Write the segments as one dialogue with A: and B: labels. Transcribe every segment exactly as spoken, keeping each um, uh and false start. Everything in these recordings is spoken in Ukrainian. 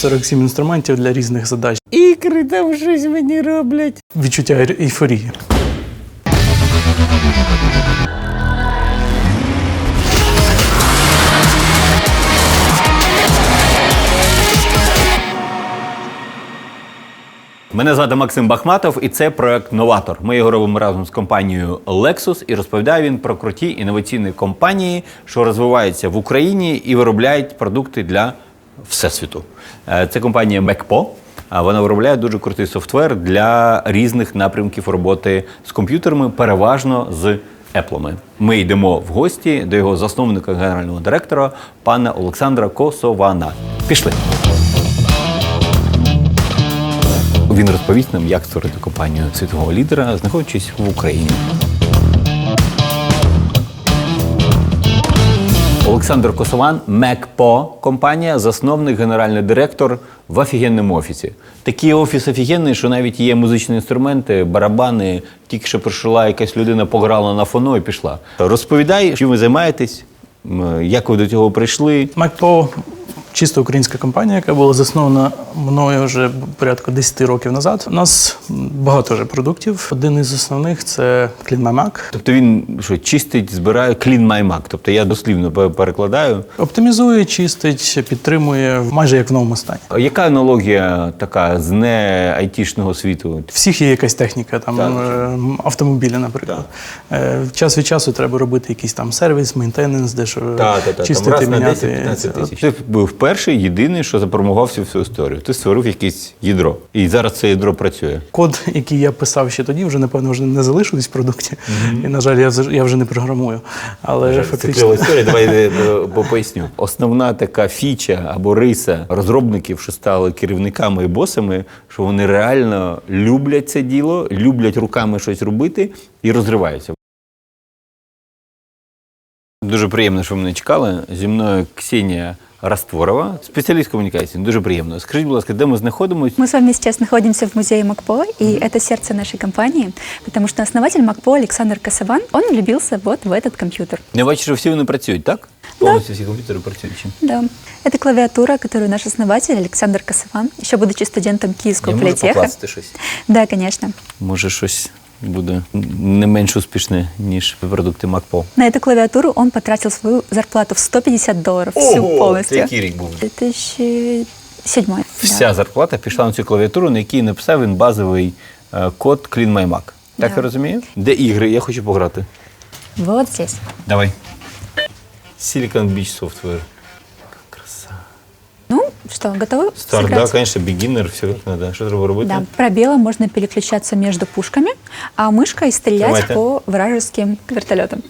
A: сорок сім інструментів для різних задач.
B: Ікри там щось мені роблять.
A: Відчуття ейфорії.
B: Мене звати Максим Бахматов, і це проект «Новатор». Ми його робимо разом з компанією Lexus, і розповідає він про круті інноваційні компанії, що розвиваються в Україні і виробляють продукти для всесвіту. Це компанія Мекпо. Вона виробляє дуже крутий софтвер для різних напрямків роботи з комп'ютерами, переважно з Apple. Ми йдемо в гості до його засновника, генерального директора, пана Олександра Косована. Пішли! Він розповість нам, як створити компанію світового лідера, знаходячись в Україні. Олександр Косован, Мекпо компанія, засновник, генеральний директор в офігенному офісі. Такий офіс офігенний, що навіть є музичні інструменти, барабани. Тільки що прийшла якась людина, пограла на фоно і пішла. Розповідай, чим ви займаєтесь, як ви до цього прийшли.
A: Мекпо – чисто українська компанія, яка була заснована мною вже порядку десять років назад. У нас багато вже продуктів. Один із основних – це Clean My Mac.
B: Тобто він що, чистить, збирає Clean My Mac. Тобто я дослівно перекладаю.
A: Оптимізує, чистить, підтримує майже як в новому стані.
B: А яка аналогія така з не айтішного світу?
A: Всіх є якась техніка, там
B: Так.
A: автомобілі, наприклад. Так. Час від часу треба робити якийсь там сервіс, мейнтененс, де що
B: Так, так, так.
A: чистити,
B: Там раз
A: міняти.
B: на десять-п'ятнадцять тисяч. Ти був перший, єдиний, що запромував всю всю історію. Ти створив якесь ядро. І зараз це ядро працює.
A: Код, який я писав ще тоді, вже, напевно, вже не залишились в продукті. Mm-hmm. І, на жаль, я, я вже не програмую. Але
B: Це
A: фактично...
B: кльова історія, давай поясню. Основна така фіча або риса розробників, що стали керівниками і босами, що вони реально люблять це діло, люблять руками щось робити і розриваються. Дуже приємно, що ви мене чекали. Зі мною Ксенія Растворова, специалист коммуникации. Дуже приємно. Скажіть, будь ласка, де ми знаходимося?
C: Мы с вами сейчас находимся в музее Мекпо, и это сердце нашей компании, потому что основатель Мекпо Александр Косован, он влюбился вот в этот компьютер.
B: Я бачу, що всі вони працюють, так? Повністю всі комп'ютери працюють.
C: Да. Это клавиатура, которую наш основатель Александр Косован, еще будучи студентом Киевского
B: Я можу
C: политеха.
B: покласти щось?
C: Да, конечно.
B: Може, щось буде не менш успішне, ніж продукти Мекпо.
C: На эту клавиатуру он потратил свою зарплату в сто пятьдесят долларов, всю полностью.
B: Це який рік був?
C: две тысячи седьмой.
B: Вся
C: да.
B: зарплата пішла на цю клавіатуру, на якій написав він базовий е, код Clean My Mac. Так
C: Да.
B: я розумію? Де ігри? Я хочу пограти.
C: Вот здесь.
B: Давай. Silicon Beach Software. Краса.
C: Ну, что, готовы
B: Старт,
C: сыграть?
B: да, конечно, beginner, все як надо. Що треба робити?
C: Да, пробелом можно переключаться между пушками, а мышкой стрелять
B: Давайте.
C: по вражеским вертолетам.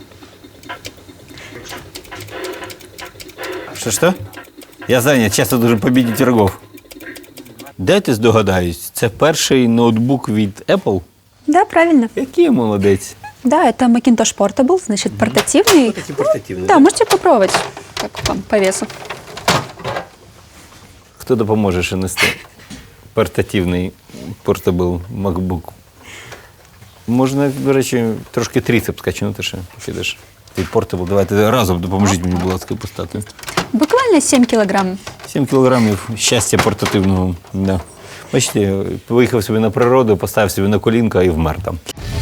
B: Що, що? Я зайнят, часто должен победить врагов. Дайте здогадаюсь, це перший ноутбук від Apple?
C: Да, правильно.
B: Який я молодець.
C: Да, это Macintosh Portable, значит, портативный.
B: Такий портативний,
C: Да,
B: да?
C: можете попробовать, как вам по весу.
B: Хто допоможе ще нести портативний портабл MacBook? Можна, до речі, трошки трицепс качнути ще, підеш. Ти портабл, давайте разом допоможіть мені, будь ласка, поставити.
C: Буквально семь килограмм.
B: сім кілограмів щастя портативного. Да. Бачите, виїхав собі на природу, поставив собі на колінка і вмер там.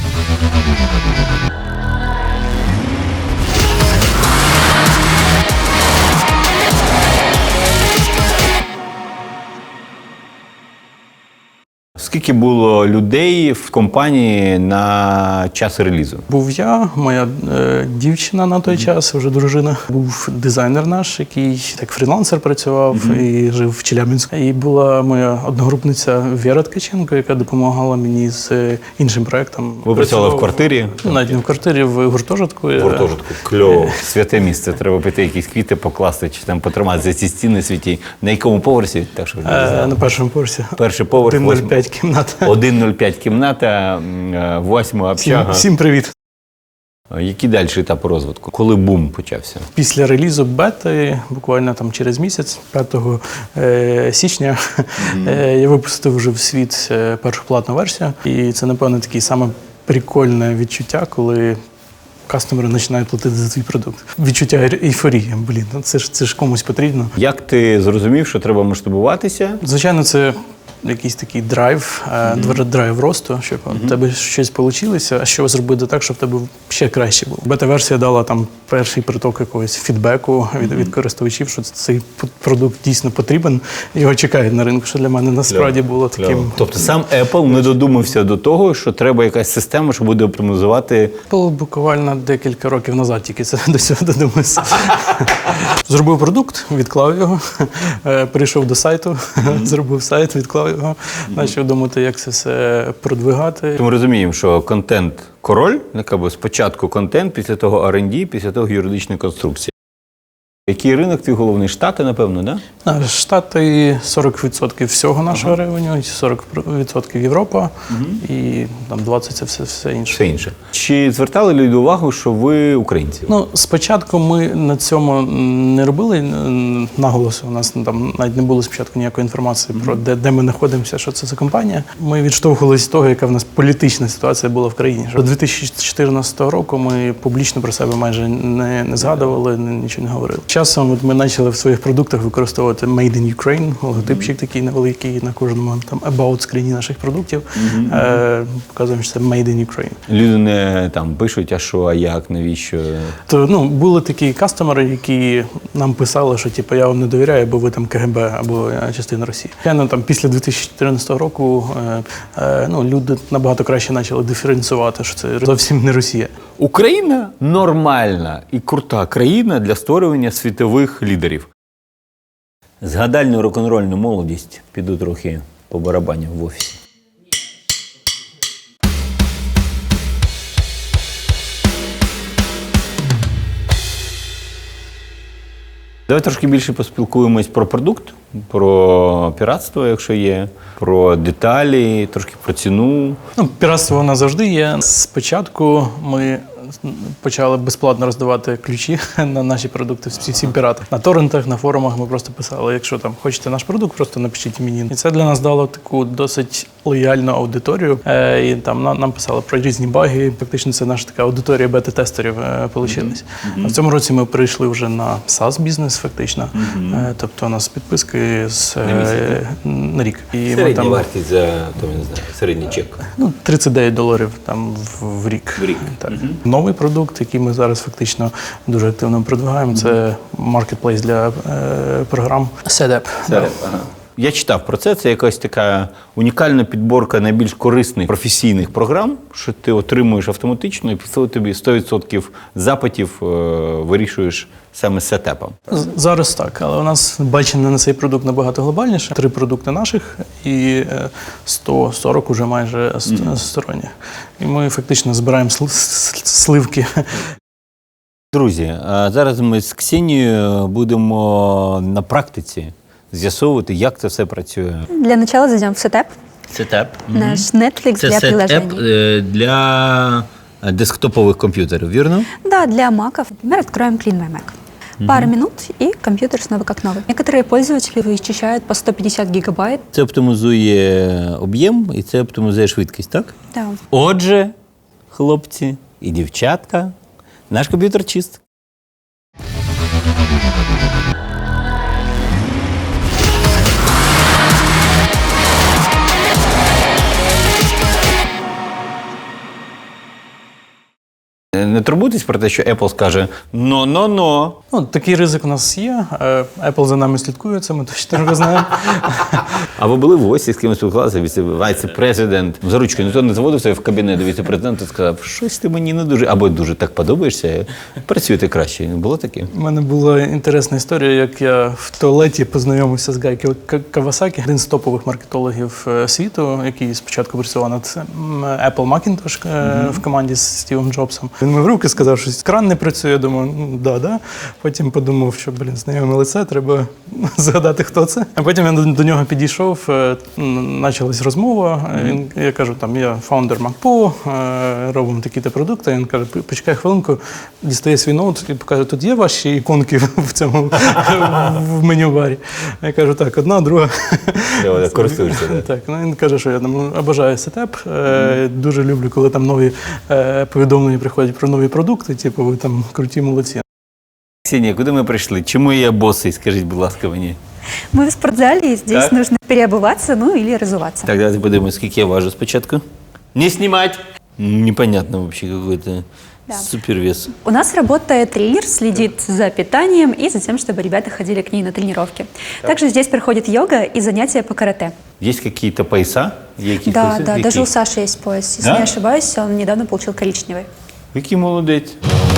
B: Скільки було людей в компанії на час релізу?
A: Був я, моя е, дівчина на той час, вже дружина. Був дизайнер наш, який як фрілансер працював mm-hmm. і жив в Челябинську. І була моя одногрупниця Віра Ткаченко, яка допомагала мені з е, іншим проєктом.
B: Ви працювали в квартирі?
A: Ну, навіть не в квартирі, в гуртожитку.
B: В гуртожитку. Кльово. Святе місце. Треба піти якісь квіти покласти, чи там потримати за ці стіни святі. На якому поверсі? Так, що ви не
A: Е,
B: знали.
A: на першому поверсі.
B: Перший поверх.
A: один нуль п'ять кімната.
B: один нуль п'ять кімната, восьма
A: Всім,
B: общага.
A: всім привіт.
B: Який далі етап розвитку? Коли бум почався?
A: Після релізу бети, буквально там через місяць, п'ятого січня, mm-hmm. я випустив вже в світ першу платну версію. І це, напевно, таке саме прикольне відчуття, коли кастомери починають платити за твій продукт. Відчуття ейфорії. Блін, ну це ж це ж комусь потрібно.
B: Як ти зрозумів, що треба масштабуватися?
A: Звичайно, це якийсь такий драйв, mm-hmm. драйв росту, щоб mm-hmm. у тебе щось вийшло, а що зробити так, щоб в тебе ще краще було. Бета-версія дала там перший приток якогось фідбеку від, mm-hmm. від користувачів, що цей продукт дійсно потрібен, його чекають на ринку, що для мене насправді було таким.
B: Кляво. Тобто сам Apple не додумався до того, що треба якась система, що буде оптимізувати.
A: Apple буквально декілька років назад тільки це до цього додумався. Зробив продукт, відклав його, прийшов до сайту, mm-hmm. зробив сайт, відклав його, почав думати, як це все продвигати.
B: Ми розуміємо, що контент король, якби спочатку контент, після того ар енд ді, після того юридична конструкція. Який ринок твій головний? Штати, напевно, да?
A: Штати сорок відсотків всього нашого ага. ревеню, сорок відсотків Європа угу. і там двадцять відсотків це все, все інше.
B: Все інше. Чи звертали люди увагу, що ви українці?
A: Ну, спочатку ми на цьому не робили наголосу. У нас там навіть не було спочатку ніякої інформації угу. про де, де ми знаходимося, що це за компанія. Ми відштовхувалися з того, яка в нас політична ситуація була в країні. До дві тисячі чотирнадцятого року ми публічно про себе майже не, не згадували, нічого не говорили. Часом от ми почали в своїх продуктах використовувати Made in Ukraine, логотипчик mm-hmm. такий невеликий на кожному там about скріні наших продуктів. Mm-hmm. Е, показуємо, що це Made in Ukraine.
B: Люди не там пишуть, а що, а як, навіщо?
A: То ну були такі кастомери, які нам писали, що типу я вам не довіряю, бо ви там ка ге бе або частина Росії. Я ну, там після дві тисячі чотирнадцятого року е, е, ну люди набагато краще почали диференціювати, що це зовсім не Росія.
B: Україна нормальна і крута країна для створювання світових лідерів. Згадальну рок-н-рольну молодість піду трохи по барабаню в офісі. Давай трошки більше поспілкуємось про продукт, про піратство, якщо є, про деталі, трошки про ціну.
A: Ну, піратство воно завжди є. Спочатку ми почали безплатно роздавати ключі на наші продукти всім піратам. На торрентах, на форумах ми просто писали, якщо там хочете наш продукт, просто напишіть мені. І це для нас дало таку досить лояльну аудиторію. Е, і там нам, нам писали про різні баги. Фактично це наша така аудиторія бета-тестерів е, получилась. Mm-hmm. А в цьому році ми перейшли вже на SaaS-бізнес фактично. Mm-hmm. Е, тобто у нас підписки з, е, на рік. І
B: середня
A: ми там,
B: вартість за, то, не знаю, середній чек?
A: Ну, тридцять дев'ять доларів там в, в рік.
B: В рік.
A: Так. Mm-hmm. Новий продукт, який ми зараз фактично дуже активно продвигаємо, це маркетплейс для е, програм SetApp.
B: SetApp, ага. Я читав про це, це якась така унікальна підборка найбільш корисних професійних програм, що ти отримуєш автоматично і після тобі сто відсотків запитів е, вирішуєш саме з сетапом.
A: Зараз так, але у нас бачення на цей продукт набагато глобальніше. Три продукти наших і сто сорок уже майже mm-hmm. сторонніх. І ми фактично збираємо сливки.
B: Друзі, зараз ми з Ксенією будемо на практиці з'ясовувати, як це все працює.
C: Для начала зайдем в SetApp.
B: SetApp.
C: Наш Netflix
B: це
C: для приложений.
B: Це для десктопових комп'ютерів, вірно?
C: Да, для маков. Например, откроем Clean My Mac. Mm-hmm. Пара минут, и компьютер снова как новый. Некоторые пользователи вычищают по сто пятьдесят гигабайт.
B: Це оптимізує об'єм і це оптимізує швидкість, так?
C: Да.
B: Отже, хлопці і дівчатка, наш комп'ютер чист. Не турбуйтесь про те, що Apple скаже «но-но-но».
A: Ну, такий ризик у нас є. Apple за нами слідкує, це ми точно знаємо.
B: А ви були в гості, з кимось спілкувалися, віце-президент, за ручкою, ніхто не заводився в кабінет до віце-президента і сказав, щось ти мені не дуже, або дуже так подобаєшся, працюєте краще. Було таке?
A: У мене була інтересна історія, як я в туалеті познайомився з Гай Кавасакі, один з топових маркетологів світу, який спочатку працював над Apple Macintosh mm-hmm. в команді з Стівом Джобсом. Він мив руки, сказав, що кран не працює. Я думаю, ну, да, да. Потім подумав, що, блін, знайоме лице, треба згадати, хто це. А потім я до, до нього підійшов, почалась розмова. Він, я кажу, там, я фаундер MacPo, робимо такі-то продукти. Він каже, почекай хвилинку, дістає свій ноут і покаже, тут є ваші іконки в цьому в меню барі. Я кажу, так, одна, друга.
B: Я користуюся, так.
A: Так, ну, він каже, що я там обожаю сетап, дуже люблю, коли там нові повідомлення приходять про нові продукти, типу, ви там круті молодці.
B: Ксенія, куди ми прийшли? Чому я босий? Скажіть, будь ласка, мені.
C: Мы в спортзале, и здесь
B: Так.
C: нужно переобуваться, ну или разуваться.
B: Так, давайте подивимось, скільки я важу спочатку. Не знімати! Непонятно вообще какой-то
C: Да.
B: супервес.
C: У нас работает тренер, следит за питанием и за тем, чтобы ребята ходили к ней на тренировки. Также здесь проходит йога и занятия по карате.
B: Есть какие-то пояса? Які
C: Да,
B: пояси?
C: да,
B: Які?
C: даже у Саши есть пояс. Если
B: Да?
C: не ошибаюсь, он недавно получил коричневый.
B: Який молодець.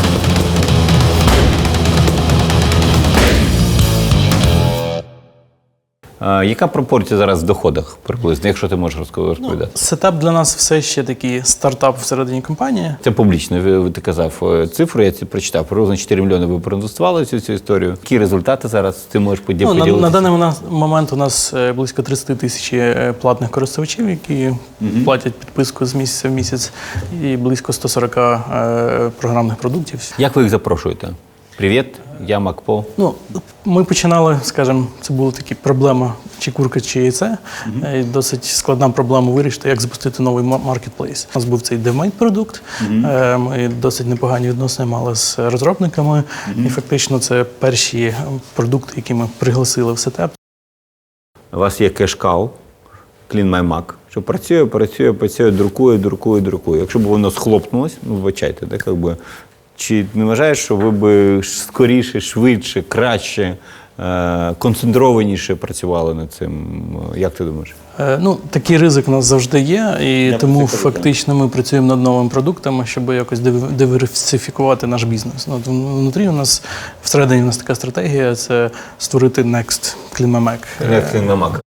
B: А, яка пропорція зараз в доходах приблизно, якщо ти можеш розко- розповідати?
A: Сетап для нас все ще такий стартап всередині компанії.
B: Це публічно, ви, ви- ти казав е, цифру, я це прочитав. Приблизно чотири мільйони ви проінвестували в цю, цю історію. Які результати зараз ти можеш поділ-
A: Ну, на,
B: поділитися?
A: на даний мона- момент у нас е, близько тридцять тисяч е, платних користувачів, які платять підписку з місяця в місяць, і близько сто сорок е, програмних продуктів.
B: Як ви їх запрошуєте? Привіт, я Макпо.
A: Ну, ми починали, скажімо, це була така проблема, чи курка, чи яйце. Е, Досить складна проблема вирішити, як запустити новий ма- маркетплейс. У нас був цей DevMate продукт. Е, Ми досить непогані відносини мали з розробниками. І фактично це перші е, продукти, які ми пригласили в сетап.
B: У вас є кешкау, Clean My Mac, що працює, працює, працює, друкує, друкує, друкує. Якщо б воно схлопнулось, ну, вибачайте, так, якби, чи не вважаєш, що ви б скоріше, швидше, краще, е, концентрованіше працювали над цим? Як ти думаєш?
A: Е, Ну, такий ризик у нас завжди є, і
B: Я
A: тому
B: про це кажу,
A: фактично ми працюємо над новими продуктами, щоб якось див- диверсифікувати наш бізнес. Ну, от внутрі у нас, всередині у нас така стратегія – це створити Next Clean My Mac.
B: Як Clean My Mac?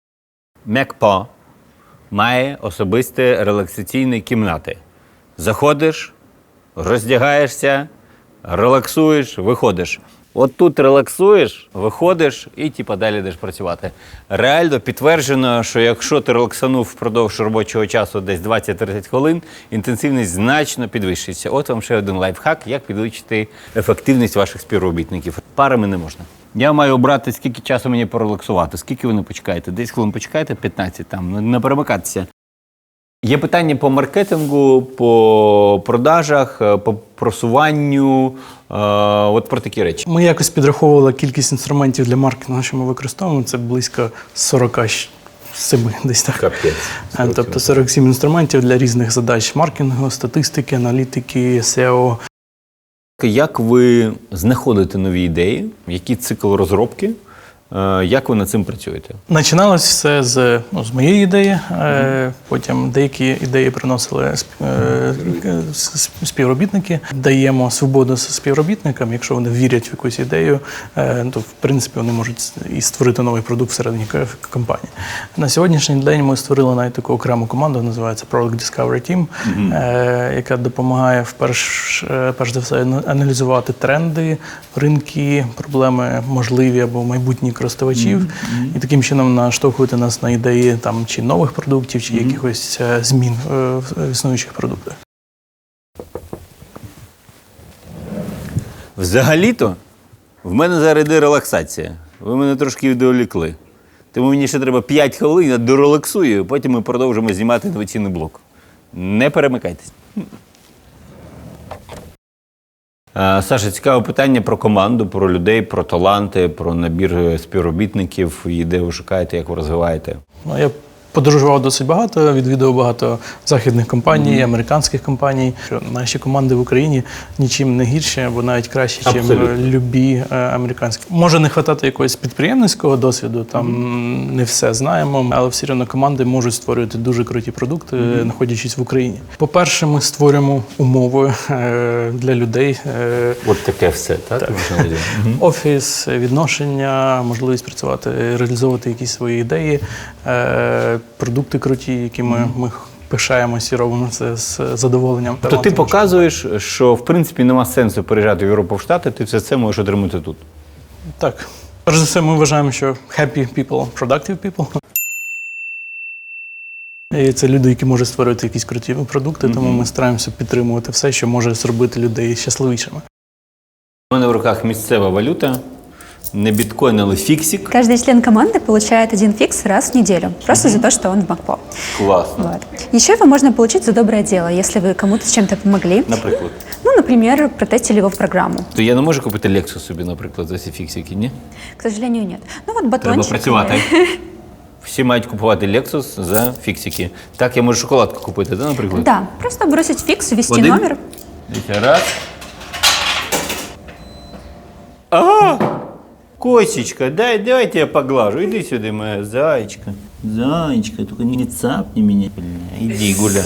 B: MacPo має особисті релаксаційні кімнати. Заходиш, роздягаєшся, релаксуєш, виходиш. От тут релаксуєш, виходиш і типа далі йдеш працювати. Реально підтверджено, що якщо ти релаксанув впродовж робочого часу десь двадцять-тридцять хвилин, інтенсивність значно підвищується. От вам ще один лайфхак, як підвищити ефективність ваших співробітників. Парами не можна. Я маю обрати, скільки часу мені порелаксувати, скільки ви не почекаєте. десять хвилин почекаєте, п'ятнадцять там, не перемикатися. Є питання по маркетингу, по продажах, по просуванню, е, от про такі речі.
A: Ми якось підраховували кількість інструментів для маркетингу, що ми використовуємо. Це близько сорок сім, десь так.
B: Капець.
A: Е, Тобто сорок сім інструментів для різних задач маркетингу, статистики, аналітики, сео.
B: Як ви знаходите нові ідеї? Який цикл розробки? Е, Як ви над цим працюєте?
A: Починалось все з, ну, з моєї ідеї, е, потім деякі ідеї приносили сп- е, с- співробітники. Даємо свободу співробітникам, якщо вони вірять в якусь ідею, е, то в принципі вони можуть і створити новий продукт всередині к- компанії. На сьогоднішній день ми створили навіть таку окрему команду, називається Product Discovery Team, е, яка допомагає вперш, е, перш за все аналізувати тренди, ринки, проблеми можливі або майбутні користувачів, і таким чином наштовхувати нас на ідеї там чи нових продуктів, чи якихось е, змін е, в існуючих продуктах.
B: Взагалі-то в мене зараз йде релаксація. Ви мене трошки відволікли. Тому мені ще треба п'ять хвилин, я дорелаксую, потім ми продовжимо знімати інноваційний блок. Не перемикайтесь. Е, Саша, цікаве питання про команду, про людей, про таланти, про набір співробітників, і де ви шукаєте, як ви розвиваєте.
A: Ну, я подорожував досить багато, відвідував багато західних компаній, американських компаній. Що наші команди в Україні нічим не гірші, або навіть краще, ніж
B: Абсолютно.
A: любі е, американські. Може не вистачати якогось підприємницького досвіду, там не все знаємо, але все одно команди можуть створювати дуже круті продукти, знаходячись в Україні. По-перше, ми створюємо умови е, для людей. е,
B: От таке все, так?
A: Офіс, відношення, можливість працювати, реалізовувати якісь свої ідеї, е, продукти круті, які ми, ми пишаємося і робимо це з задоволенням.
B: То ти показуєш, що в принципі нема сенсу переїжджати в Європу, в Штати, ти все це можеш отримати тут.
A: Так. Перш за все, ми вважаємо, що happy people – productive people. І це люди, які можуть створювати якісь круті продукти, тому ми стараємося підтримувати все, що може зробити людей щасливішими.
B: У мене в руках місцева валюта. Не біткоін, але фіксик.
C: Каждый член команды получает один фикс раз в неделю, просто за то, что он в МакПо.
B: Класно.
C: Вот. Еще его можно получить за доброе дело, если вы кому-то с чем-то помогли.
B: Наприклад.
C: Ну, например, протестили его в программу.
B: То я не можу купити Lexus собі, наприклад, за ці фіксики, ні?
C: К сожалению, нет. Ну вот
B: Треба
C: батончик.
B: працювати. Всі мають купувати Lexus за фіксики. Так, я можу шоколадку купити, да, наприклад?
C: Да, просто бросить фикс, ввести
B: Один.
C: номер.
B: Дивіться, раз. Ага! Косечка, дай, давайте я поглажу. Иди сюда, моя зайчка. Зайчка, только не цапни меня. Бля, иди гуляй.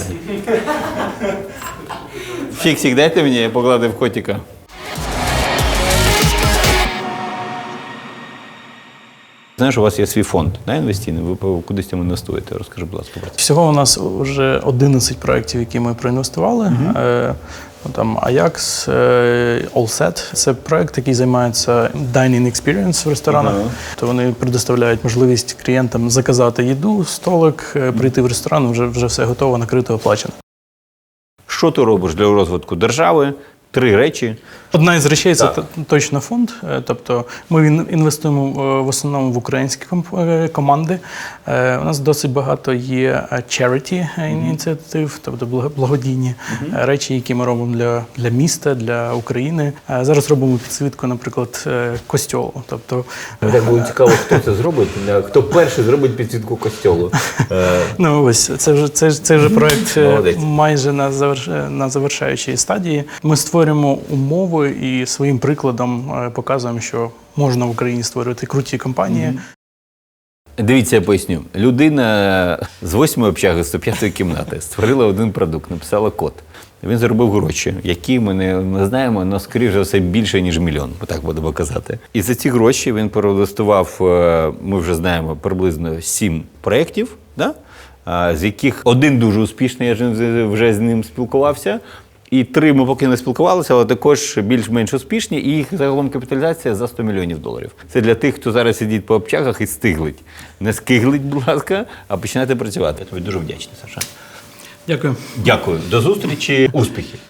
B: Фиксик, дайте мне, я погладив котика. Знаєш, у вас є свій фонд, да, інвестиційний, ви по- кудись там інвестуєте. Розкажи, будь ласка, про це.
A: Всього у нас вже одинадцять проєктів, які ми проінвестували. Е, ну, там Ajax, е, Allset – це проєкт, який займається dining experience в ресторанах.
B: Ага.
A: То вони предоставляють можливість клієнтам заказати їду, столик, е, прийти в ресторан, вже, вже все готово, накрито, оплачено.
B: Що ти робиш для розвитку держави? Три речі.
A: Одна із речей це
B: Так.
A: т- точно фонд. Е, Тобто ми ін- інвестуємо е, в основному в українські комп- е, команди. Е, У нас досить багато є е, charity е, ініціатив, тобто благо- благодійні е, речі, які ми робимо для, для міста, для України. Е, Зараз робимо підсвітку, наприклад, е, костьолу. Тобто,
D: Так було цікаво, хто це зробить, хто перший зробить підсвітку костьолу. Е,
A: ну ось це вже це, ж- це вже проект е,
D: Молодець.
A: майже на заверш, на завершаючій стадії. Ми створюємо умови і своїм прикладом е, показуємо, що можна в Україні створювати круті компанії.
B: Дивіться, я поясню. Людина з восьмої общаги, сто п'ятої кімнати створила один продукт, написала код. Він заробив гроші, які ми не, не знаємо, але, скоріш за все, більше, ніж мільйон, так будемо казати. І за ці гроші він проінвестував, е, ми вже знаємо, приблизно сім проєктів, да? А, з яких один дуже успішний, я ж вже з ним спілкувався, і три ми поки не спілкувалися, але також більш-менш успішні, і їх загалом капіталізація за сто мільйонів доларів. Це для тих, хто зараз сидить по общагах і стиглить. Не скиглить, будь ласка, а починайте працювати. Я тобі дуже вдячний, Саша.
A: Дякую.
B: Дякую. До зустрічі. Успіхів.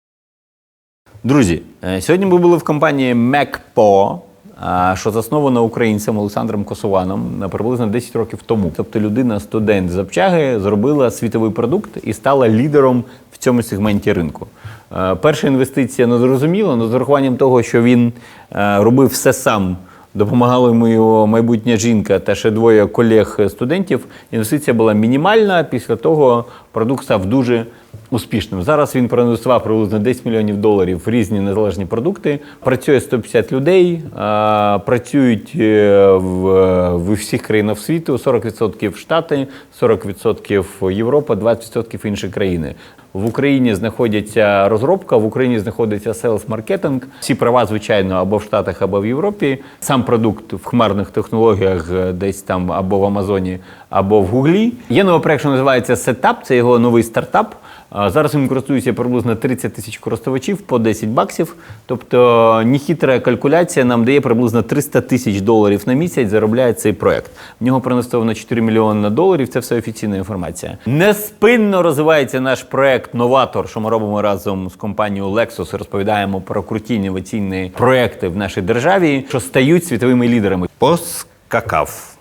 B: Друзі, е, сьогодні ми були в компанії МакПо, а, що заснована українцем Олександром Косованом на приблизно десять років тому. Тобто людина, студент з общаги, зробила світовий продукт і стала лідером в цьому сегменті ринку. Е, Перша інвестиція не зрозуміла, але з урахуванням того, що він е, робив все сам, допомагала йому його майбутня жінка та ще двоє колег-студентів, інвестиція була мінімальна, після того продукт став дуже успішним. Зараз він проінвестував приблизно десять мільйонів доларів в різні незалежні продукти. Працює сто п'ятдесят людей, а, працюють е, в, в всіх країнах світу, сорок відсотків Штати, сорок відсотків Європа, двадцять відсотків інші країни. В Україні знаходиться розробка, в Україні знаходиться селс-маркетинг. Всі права, звичайно, або в Штатах, або в Європі. Сам продукт в хмарних технологіях десь там або в Амазоні, або в Гуглі. Є новий проект, що називається Setup, це його новий стартап. А Зараз він користується приблизно тридцять тисяч користувачів по десять баксів. Тобто нехитра калькуляція нам дає приблизно триста тисяч доларів на місяць заробляє цей проект. В нього проінвестовано чотири мільйони доларів, це все офіційна інформація. Неспинно розвивається наш проект «Новатор», що ми робимо разом з компанією Lexus і розповідаємо про круті інноваційні проекти в нашій державі, що стають світовими лідерами. Поскакав.